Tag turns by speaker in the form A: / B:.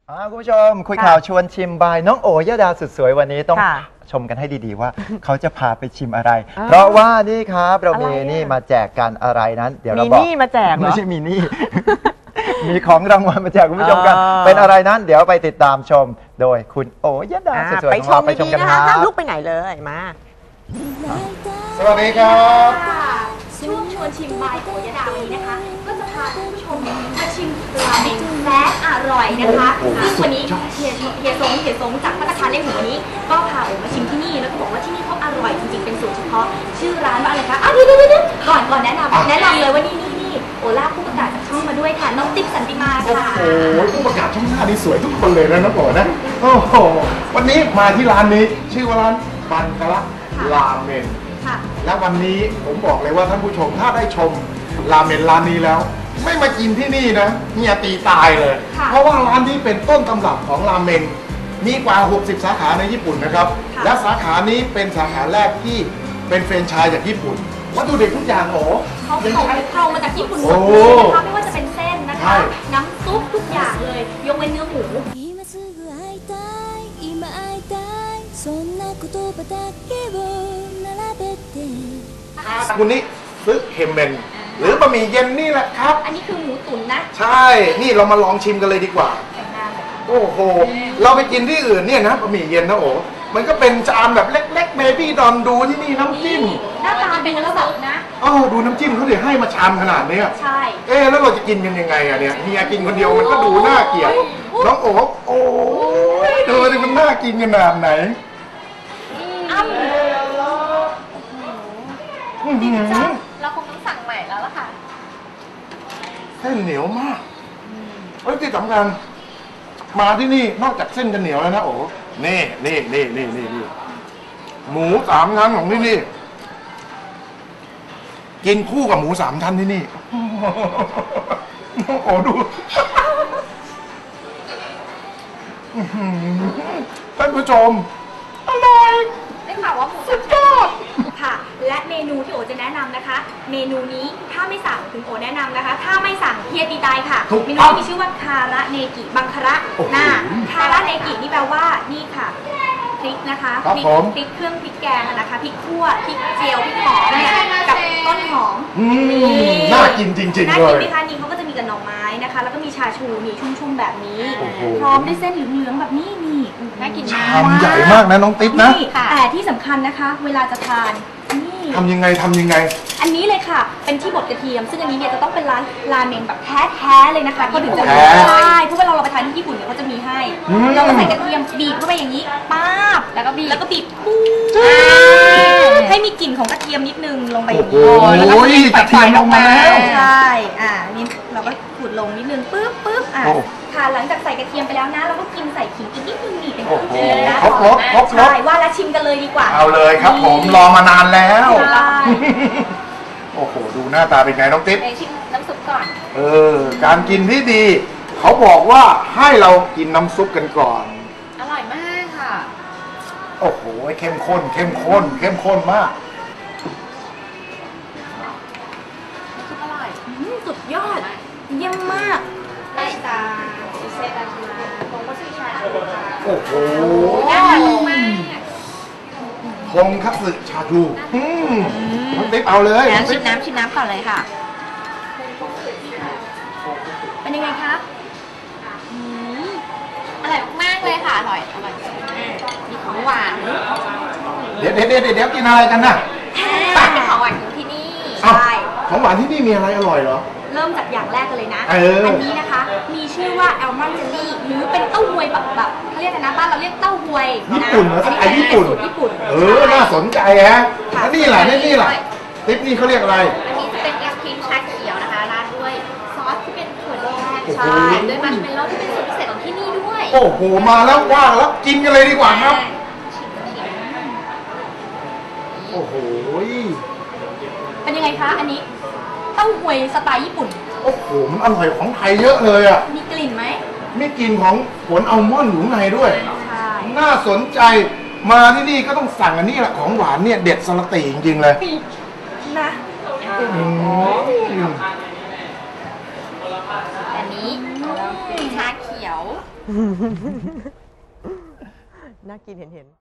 A: คุณผู้ชมคุยข่าวชวนชิมบายน้องโอยดาสุดสวยวันนี้ต้องชมกันให้ดีๆว่าเขาจะพาไปชิมอะไรเพราะว่านี่ครับเรามีนี่มาแจกกันอะไรนั้นเดี๋ยวเราบอกมีนี่มาแจกไม่ใช่มีนี่มีของรางวัลมาแจกคุณผู้ชมกันเป็นอะไรนั้นเดี๋ยวไปติดตามชมโดยคุณโอยดาสุดสวยของเราไปชมกันครับห้ามลุกไปไหนเลยมาสวัสดีครับ
B: ช่วงชวนชิมบายโอยดาวันนี้นะคะก็จะพาคุณผู้ชมมาชิมราเมงแซ่บอร่อยนะคะซึ่งวันนี้เฮียซงจากภัตตาคารเล่งหัวนี้ก็พาโอมาชิมที่นี่แล้วก็บอกว่าที่นี่เขาอร่อยจริงๆเป็นสูตรเฉพาะชื่อร้านว่าอะไรคะเดี๋ยวก่อนแนะนำเลยว่านี่โอลาผู้ประกาศจากช่องมาด้วยค่ะน้องติ๊กสันติมาค่ะ
C: โอ้โหผู้ประกาศช่องหน้านี่สวยทุกคนเลยนะน้องโอนะโอ้โหวันนี้มาที่ร้านนี้ชื่อว่าร้านบันกะละราเมนและวันนี้ผมบอกเลยว่าท่านผู้ชมถ้าได้ชมราเมนร้านนี้แล้วไม่มากินที่นี่นะเฮียตีตายเลยเพราะว่าร้านนี้เป็นต้นตำรับของราเมนมีกว่า60สาขาในญี่ปุ่นนะครับและสาขานี้เป็นสาขาแรกที่เป็นแฟรนไชส์จากญี่ปุ่นวัตถุดิบทุกอย่าง
B: เขาเอามาจากญี่ปุ่นหมดเลยนะคะไม่ว่าจะเป็นเส้นนะคะน้ำซุปทุกอย่างเลยยกเว้นเนื้อหมู
C: คุณนี่ซึเฮมเมนหรือบะหมี่เย็นนี่แหละครับ
B: อันนี้คือหมูตุ๋นนะ
C: ใช่นี่เรามาลองชิมกันเลยดีกว่าโอ้โหเราไปกินที่อื่นเนี่ยนะบะหมี่เย็นนะโอ้มันก็เป็นจานแบบเล็กๆเบบี้ดอนดูที่นี่น้ำจิ้ม
B: หน้าตาเป็นแล้วแบบนะ
C: ดูน้ำจิ้มเขาเดี๋ยวให้มาชามขนาดนี้
B: ใช่
C: แล้วเราจะกินกันยังไงอะเนี่ยเฮียกินคนเดียวมันก็ดูน่าเกลียดน้องโอ้ยดูดิมันน่ากินขนาดไหน
B: เราคงต้องสั่งใหม่แล้วล่ะค่ะ
C: เส้นเหนียวมากที่สำคัญมาที่นี่นอกจากเส้นจะเหนียวแล้วนะโอ้นี่หมู3 ชั้นของที่นี่กินคู่กับหมู3 ชั้นที่นี่โอ้ดูท่านผู้ชมอร่อย
B: ได้ข่าวว่าหมูสุดยอดค่ะและเมนูที่โอจะแนะนำนะคะเมนูนี้ถ้าไม่สั่งถึงโอแนะนำนะคะถ้าไม่สั่งเฮียตีตายค่ะเมนูมีชื่อว่าคาระเนกิบังคาระคาระเนกินี่แปลว่านี่ค่ะพริกนะคะพริกเครื่องพริกแกงนะคะพริกคั่วพริกเจียวพริกหอมเนี่ยกับต้นหอม
C: น่ากินจริงๆเลย
B: น่ากินไหมคะนี่เขาก็จะมีกับหน่อไม้นะคะแล้วก็มีชาชูมีชุ่มๆแบบนี้พร้อมด้วยเส้นเหลืองๆแบบนี้นี่น่ากินมาก
C: ชามใหญ่มากนะน้องติ๊บนะ
B: แต่ที่สำคัญนะคะเวลาจะทานนี่
C: ทำยังไง
B: อันนี้เลยค่ะเป็นที่บดกระเทียมซึ่งอันนี้เนี่ยจะต้องเป็นร้านราเมงแบบแท้ๆเลยนะคะเขาถึงจะมีใช่เพราะเวลาเราไปทานที่ญี่ปุ่นเนี่ยเขาจะมีให้เราก็ใส่กระเทียมบีบเข้าไปอย่างนี้ป๊าบแล้วก็บีบปุ๊บให้มีกลิ่นของกระเทียมนิดนึงลงไปอย่างนี้
C: แล้วก็กระเทียมลงมาแล้ว
B: ใช่นี่เราก็ขูดลงนิดนึงปึ๊บค่ะหลังจากใส่กระเทียมไปแล้วนะเราก็กินใส่ขิงอีกนิดนึงนี่เป็นเครื่องเคียงนะใช่ว่าแล้วชิมกันเลยดีกว่า
C: เอาเลยครับผมรอมานานแล้วโอ้โหดูหน้าตาเป็นไงน้องติ๊บ
B: ชิมน้ำซุปก่อน
C: การกินที่ดีเขาบอกว่าให้เรากินน้ำซุปกันก่อน
B: อร่อยมากค่ะ
C: โอ้โหเข้มข้นมาก
B: ซุปอร่อยสุดยอดเยี่ยมมากได้ตาเซตอันมาโปรโมชั่นชาชู
C: โอ้โห
B: น่าทานมาก
C: ทงคัตสึชาชูน้องติ๊บเอาเลย
B: ชิมน้ำก่อนเลยค่ะเป็นยังไงคะอร่อยมากเลยค่ะอร่อยมีของหวาน
C: เดี๋ยวกินอะไรกันน่ะ
B: เป็นของหวานที่นี่ใช่
C: ของหวานที่นี่มีอะไรอร่อยเหรอ
B: เริ่มจากอย่างแรกกันเลยนะอันนี้นะคะมีชื่อว่าแอลมอนด์เจลลี่หรือเป็นเต้าหวยแบบเขาเรียกกันนะบ้านเราเรียกเต้าหวย
C: ญี่ปุ่นเหรอไอญี่ปุ่นน่าสนใจฮะแล้วนี่แหละติ๊บนี่เขาเรียกอะไร
B: อันนี้จะเป็นแอปครีมชาเขียวนะคะราดด้วยซอสที่เป็นถั่วแดงใช่ด้วยมัชเมลโล่ที่เป็นสูตรพิเศษของที่นี่ด้วย
C: โอ้โหมาแล้วว่างแล้วกินกันเลยดีกว่าครับโอ้โห
B: เป็นยังไงคะอันนี้เต้าหวยสไตล์ญี่ปุ่น
C: โอ้โหมันอร่อยของไทยเยอะเลยอ่ะ
B: มีกลิ่นไหม
C: มีกลิ่นของผลอัลมอนด์อยู่ในด้วยน่าสนใจมาที่นี่ก็ต้องสั่งอันนี้แหละของหวานเนี่ยเด็ดสลัดตีจริงๆเลย
B: นะอันนี้ชาเขียว
D: น่ากินเห็น